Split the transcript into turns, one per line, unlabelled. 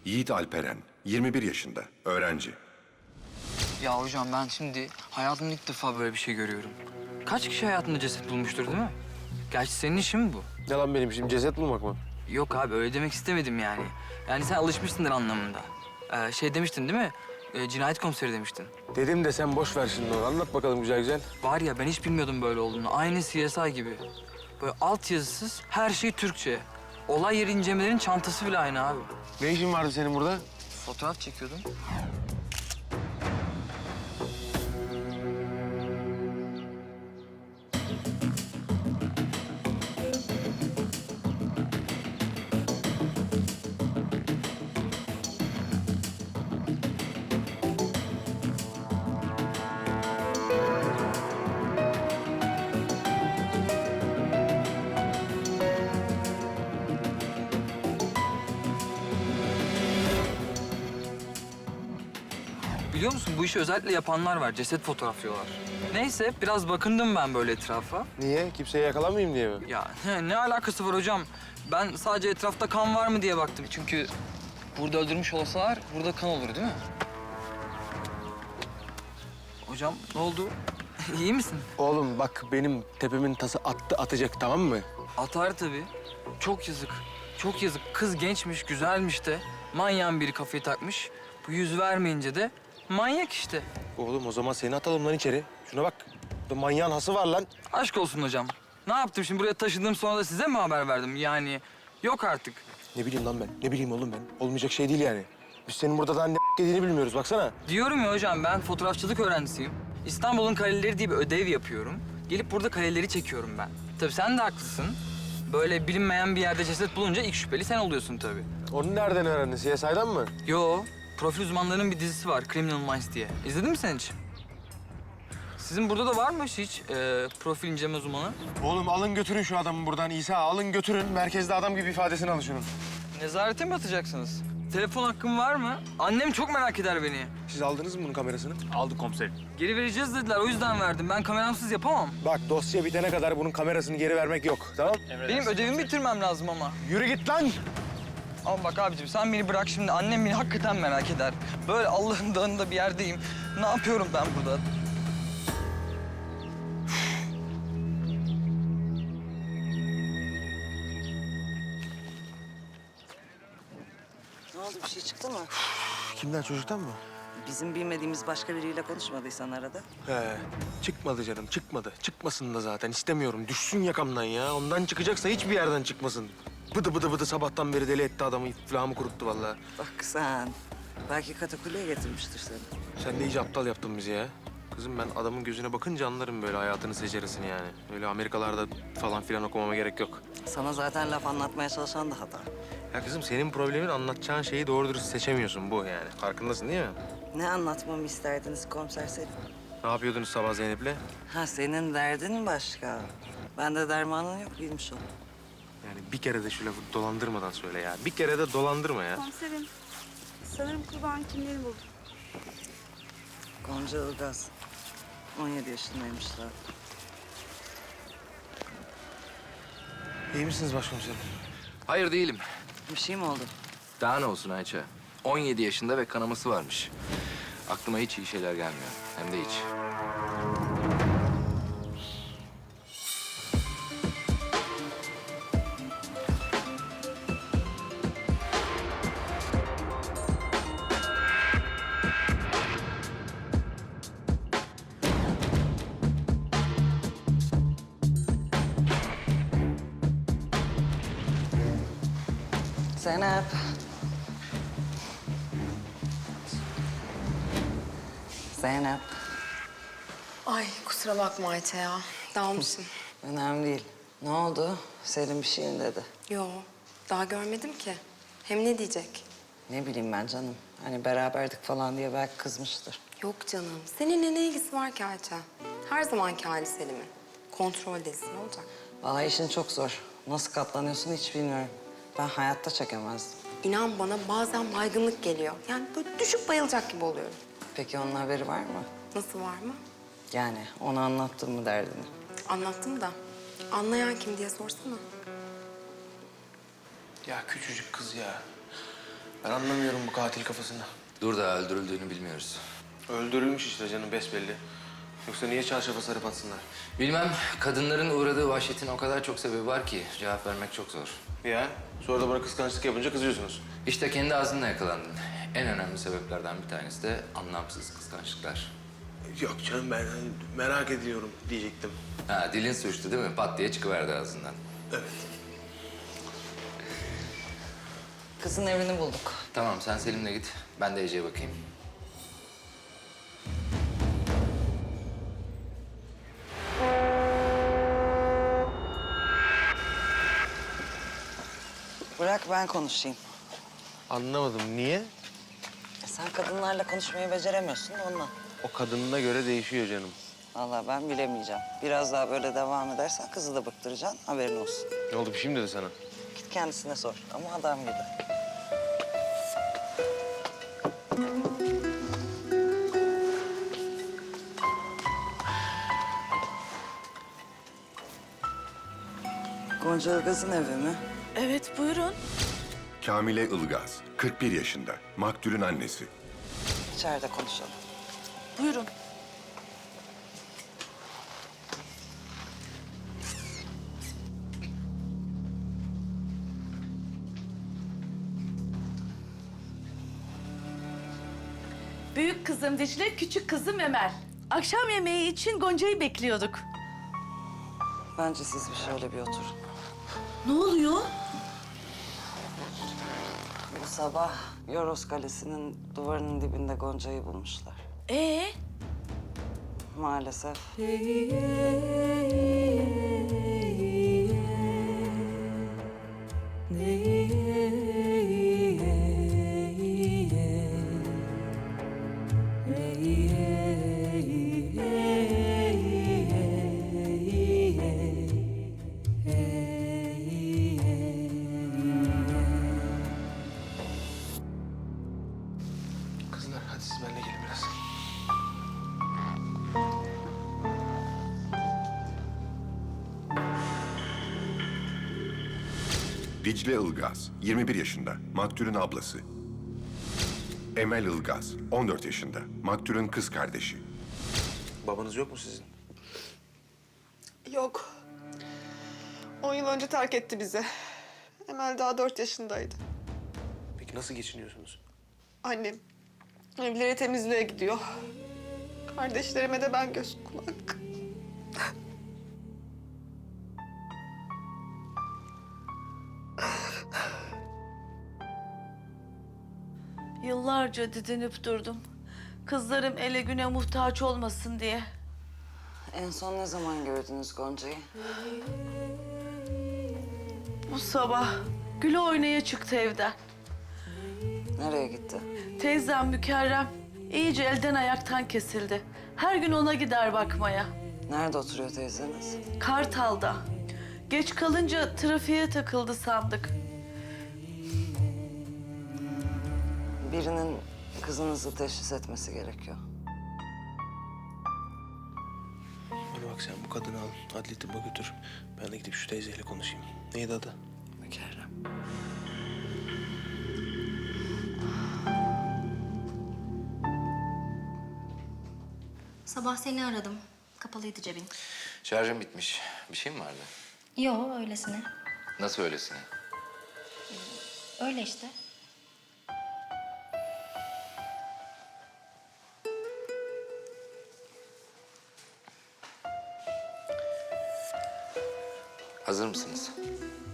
Yiğit Alperen, 21 yaşında, öğrenci.
Ya hocam ben şimdi hayatımda ilk defa böyle bir şey görüyorum. Kaç kişi hayatında ceset bulmuştur değil mi? Gerçi senin işin mi bu?
Ne lan benim işim ceset bulmak mı?
Yok abi öyle demek istemedim yani. Yani sen alışmışsındır anlamında. Şey demiştin değil mi? Cinayet komiseri demiştin.
Dedim de sen boş ver şimdi onu. Anlat bakalım güzel güzel.
Var ya ben hiç bilmiyordum böyle olduğunu. Aynı CSI gibi. Böyle altyazısız her şey Türkçe. Olay yeri incelemelerinin çantası bile aynı abi.
Ne işin vardı senin burada?
Fotoğraf çekiyordum. Biliyor musun bu işi özellikle yapanlar var. Ceset fotoğraflıyorlar. Neyse biraz bakındım ben böyle etrafa.
Niye? Kimseyi yakalamayayım diye mi?
Ya ne alakası var hocam? Ben sadece etrafta kan var mı diye baktım. Çünkü burada öldürmüş olsalar burada kan olur değil mi? Hocam ne oldu? İyi misin?
Oğlum bak benim tepemin tası attı atacak tamam mı?
Atar tabii. Çok yazık. Çok yazık. Kız gençmiş, güzelmiş de. Manyağın biri kafayı takmış. Bu yüz vermeyince de manyak işte.
Oğlum o zaman seni atalım lan içeri. Şuna bak. Burada manyağın hası var lan.
Aşk olsun hocam. Ne yaptım şimdi buraya taşıdım sonra da size mi haber verdim? Yani yok artık.
Ne bileyim lan ben. Ne bileyim oğlum ben. Olmayacak şey değil yani. Biz senin burada daha ne dediğini bilmiyoruz baksana.
Diyorum ya hocam ben fotoğrafçılık öğrencisiyim. İstanbul'un kaleleri diye bir ödev yapıyorum. Gelip burada kaleleri çekiyorum ben. Tabii sen de haklısın. Böyle bilinmeyen bir yerde ceset bulunca ilk şüpheli sen oluyorsun tabii.
Onu nereden öğrendin? CSI'dan mı?
Yo, profil uzmanlarının bir dizisi var Criminal Minds diye. İzledin mi sen hiç? Sizin burada da var mı hiç profil inceleme uzmanı?
Oğlum alın götürün şu adamı buradan İsa. Alın götürün. Merkezde adam gibi ifadesini alın şunun.
Nezarete mi atacaksınız? Telefon hakkım var mı? Annem çok merak eder beni.
Siz aldınız mı bunun kamerasını?
Aldık komiserim.
Geri vereceğiz dediler, o yüzden verdim. Ben kameramsız yapamam.
Bak dosya bitene kadar bunun kamerasını geri vermek yok. Tamam?
Benim ödevimi bitirmem lazım ama.
Yürü git lan.
Ama bak abicim sen beni bırak şimdi. Annem beni hakikaten merak eder. Böyle Allah'ın dağında bir yerdeyim. Ne yapıyorum ben burada?
Ne oldu, bir şey çıktı mı?
Kimden çocuktan mı?
Bizim bilmediğimiz başka biriyle konuşmadıysan arada.
He, çıkmadı canım, çıkmadı. Çıkmasın da zaten istemiyorum. Düşsün yakamdan ya. Ondan çıkacaksa hiçbir yerden çıkmasın. Bıdı bıdı bıdı sabahtan beri deli etti adamı. İflahımı kuruttu vallahi.
Bak sen, belki katakulliye getirmiştir seni.
Sen de iyice aptal yaptın bizi ya. Kızım ben adamın gözüne bakınca anlarım böyle hayatını seceresini yani. Öyle Amerikalarda falan filan okumama gerek yok.
Sana zaten laf anlatmaya çalışan da hata.
Ya kızım senin problemin anlatacağın şeyi doğru dürüst seçemiyorsun bu yani. Farkındasın değil mi?
Ne anlatmamı isterdiniz komiser Selim?
Ne yapıyordunuz sabah Zeynep'le?
Ha, senin derdin başka. Bende dermanın yok, bilmiş ol.
Yani bir kere de şu lafı dolandırmadan söyle ya. Bir kere de dolandırma ya.
Komiserim, sanırım kurban kimliğini buldum.
Gonca Ilgaz. 17 yaşındaymışlar.
İyi misiniz başkomiserim?
Hayır değilim.
Bir şey mi oldu?
Daha ne olsun Ayça? 17 yaşında ve kanaması varmış. Aklıma hiç iyi şeyler gelmiyor. Hem de hiç.
Zeynep. Zeynep.
Ay kusura bakma Ayça ya. Dalmışım.
Önemli değil. Ne oldu? Selim bir şey mi dedi?
Yo, daha görmedim ki. Hem ne diyecek?
Ne bileyim ben canım. Hani beraberdik falan diye belki kızmıştır.
Yok canım. Seninle ne ilgisi var ki Ayça? Her zamanki hali Selim'in. Kontroldesin, ne olacak?
Vallahi işin çok zor. Nasıl katlanıyorsun hiç bilmiyorum. Ben hayatta çekemezdim.
İnan bana bazen baygınlık geliyor. Yani böyle düşüp bayılacak gibi oluyorum.
Peki onun haberi var mı?
Nasıl, var mı?
Yani ona anlattın mı derdini?
Anlattım da. Anlayan kim diye sorsana.
Ya küçücük kız ya. Ben anlamıyorum bu katil kafasını.
Dur da öldürüldüğünü bilmiyoruz.
Öldürülmüş işte canım besbelli. Yoksa niye çarşafa sarıp atsınlar?
Bilmem, kadınların uğradığı vahşetin o kadar çok sebebi var ki cevap vermek çok zor.
Ya sonra da bana kıskançlık yapınca kızıyorsunuz.
İşte kendi ağzınla yakalandın. En önemli sebeplerden bir tanesi de anlamsız kıskançlıklar.
Yok canım ben merak ediyorum diyecektim.
Ha, dilin suçtu değil mi? Pat diye çıkıverdi ağzından.
Evet.
Kızın evini bulduk.
Tamam, sen Selim'le git. Ben de Ece'ye bakayım.
Bırak ben konuşayım.
Anlamadım niye?
Sen kadınlarla konuşmayı beceremiyorsun da ondan.
O kadınına göre değişiyor canım.
Vallahi ben bilemeyeceğim. Biraz daha böyle devam edersen kızı da bıktıracaksın. Haberin olsun.
Ne oldu bir şey mi dedi sana?
Git kendisine sor ama adam gibi. Gonca Ilgaz'ın evi mi?
Evet, buyurun.
Kamile Ilgaz, 41 yaşında. Maktulün annesi.
İçeride konuşalım.
Buyurun. Büyük kızım Dicle, küçük kızım Emel. Akşam yemeği için Gonca'yı bekliyorduk.
Bence siz bir şöyle bir oturun.
Ne oluyor?
Bu sabah Yoros Kalesi'nin duvarının dibinde Gonca'yı bulmuşlar. Maalesef.
Kızlar hadi siz benimle gelin biraz.
Dicle Ilgaz, 21 yaşında. Maktulün ablası. Emel Ilgaz, 14 yaşında. Maktulün kız kardeşi.
Babanız yok mu sizin?
Yok. 10 yıl önce terk etti bizi. Emel daha 4 yaşındaydı.
Peki nasıl geçiniyorsunuz?
Annem evleri temizliğe gidiyor. Kardeşlerime de ben göz kulak.
Yıllarca didinip durdum. Kızlarım ele güne muhtaç olmasın diye.
En son ne zaman gördünüz Gonca'yı?
Bu sabah Gül oynaya çıktı evden.
Nereye gitti?
Teyzem Mükerrem iyice elden ayaktan kesildi. Her gün ona gider bakmaya.
Nerede oturuyor teyzeniz?
Kartal'da. Geç kalınca trafiğe takıldı sandık.
Birinin kızınızı teşhis etmesi gerekiyor.
Bana bak sen bu kadını al, adli tıbba götür. Ben de gidip şu teyzeyle konuşayım. Neydi adı?
Mükerrem.
Sabah seni aradım. Kapalıydı cebin.
Şarjım bitmiş. Bir şey mi vardı?
Yo, öylesine.
Nasıl öylesine?
Öyle işte.
Hazır mısınız?